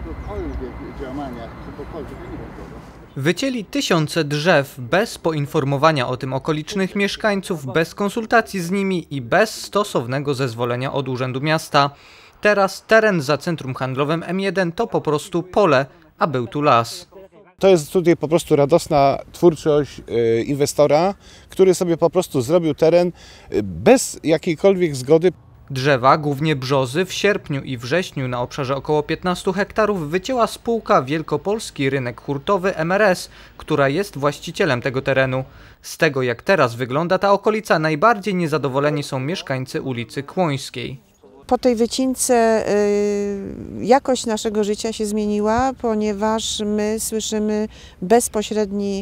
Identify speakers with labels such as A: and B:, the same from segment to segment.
A: jakiegokolwiek działania, czegokolwiek, ja nie wiem tego.
B: Wycięli tysiące drzew bez poinformowania o tym okolicznych mieszkańców, bez konsultacji z nimi i bez stosownego zezwolenia od Urzędu Miasta. Teraz teren za centrum handlowym M1 to po prostu pole, a był tu las.
C: To jest tutaj po prostu radosna twórczość inwestora, który sobie po prostu zrobił teren bez jakiejkolwiek zgody.
B: Drzewa, głównie brzozy, w sierpniu i wrześniu na obszarze około 15 hektarów wycięła spółka Wielkopolski Rynek Hurtowy MRS, która jest właścicielem tego terenu. Z tego, jak teraz wygląda ta okolica, najbardziej niezadowoleni są mieszkańcy ulicy Kłońskiej.
D: Po tej wycince jakość naszego życia się zmieniła, ponieważ my słyszymy bezpośredni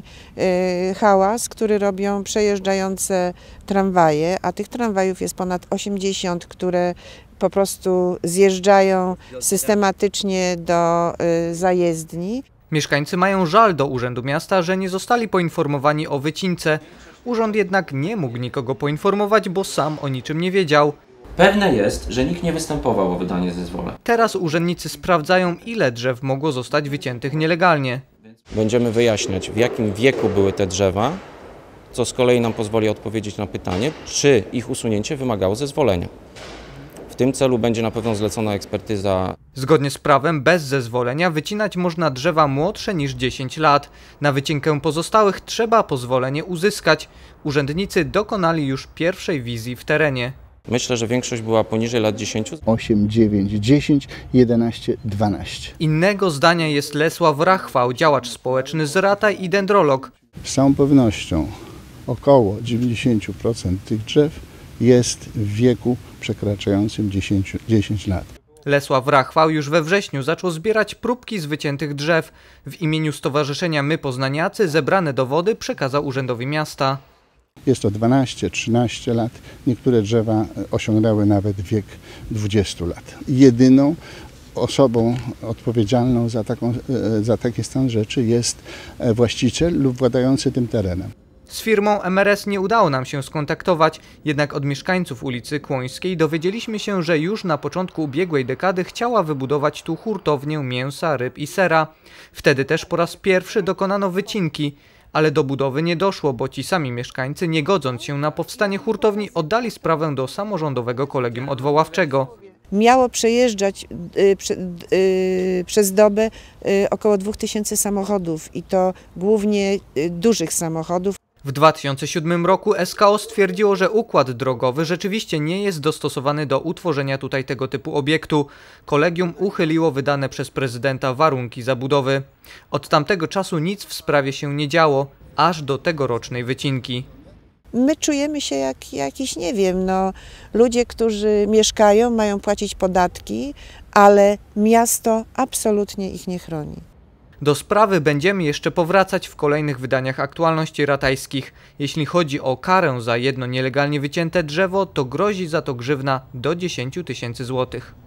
D: hałas, który robią przejeżdżające tramwaje, a tych tramwajów jest ponad 80, które po prostu zjeżdżają systematycznie do zajezdni.
B: Mieszkańcy mają żal do Urzędu Miasta, że nie zostali poinformowani o wycince. Urząd jednak nie mógł nikogo poinformować, bo sam o niczym nie wiedział.
E: Pewne jest, że nikt nie występował o wydanie zezwoleń.
B: Teraz urzędnicy sprawdzają, ile drzew mogło zostać wyciętych nielegalnie.
F: Będziemy wyjaśniać, w jakim wieku były te drzewa, co z kolei nam pozwoli odpowiedzieć na pytanie, czy ich usunięcie wymagało zezwolenia. W tym celu będzie na pewno zlecona ekspertyza.
B: Zgodnie z prawem bez zezwolenia wycinać można drzewa młodsze niż 10 lat. Na wycinkę pozostałych trzeba pozwolenie uzyskać. Urzędnicy dokonali już pierwszej wizji w terenie.
F: Myślę, że większość była poniżej lat 10.
A: 8, 9, 10, 11, 12.
B: Innego zdania jest Lesław Rachwał, działacz społeczny z Rataj i dendrolog.
A: Z całą pewnością około 90% tych drzew jest w wieku przekraczającym 10 lat.
B: Lesław Rachwał już we wrześniu zaczął zbierać próbki z wyciętych drzew. W imieniu Stowarzyszenia My Poznaniacy zebrane dowody przekazał Urzędowi Miasta.
A: Jest to 12-13 lat, niektóre drzewa osiągnęły nawet wiek 20 lat. Jedyną osobą odpowiedzialną za taki stan rzeczy jest właściciel lub władający tym terenem.
B: Z firmą MRS nie udało nam się skontaktować, jednak od mieszkańców ulicy Kłońskiej dowiedzieliśmy się, że już na początku ubiegłej dekady chciała wybudować tu hurtownię mięsa, ryb i sera. Wtedy też po raz pierwszy dokonano wycinki. Ale do budowy nie doszło, bo ci sami mieszkańcy, nie godząc się na powstanie hurtowni, oddali sprawę do samorządowego kolegium odwoławczego.
D: Miało przejeżdżać przez dobę około 2000 samochodów i to głównie dużych samochodów.
B: W 2007 roku SKO stwierdziło, że układ drogowy rzeczywiście nie jest dostosowany do utworzenia tutaj tego typu obiektu. Kolegium uchyliło wydane przez prezydenta warunki zabudowy. Od tamtego czasu nic w sprawie się nie działo, aż do tegorocznej wycinki.
D: My czujemy się jak jakiś, nie wiem, ludzie, którzy mieszkają, mają płacić podatki, ale miasto absolutnie ich nie chroni.
B: Do sprawy będziemy jeszcze powracać w kolejnych wydaniach aktualności ratajskich. Jeśli chodzi o karę za jedno nielegalnie wycięte drzewo, to grozi za to grzywna do 10 000 złotych.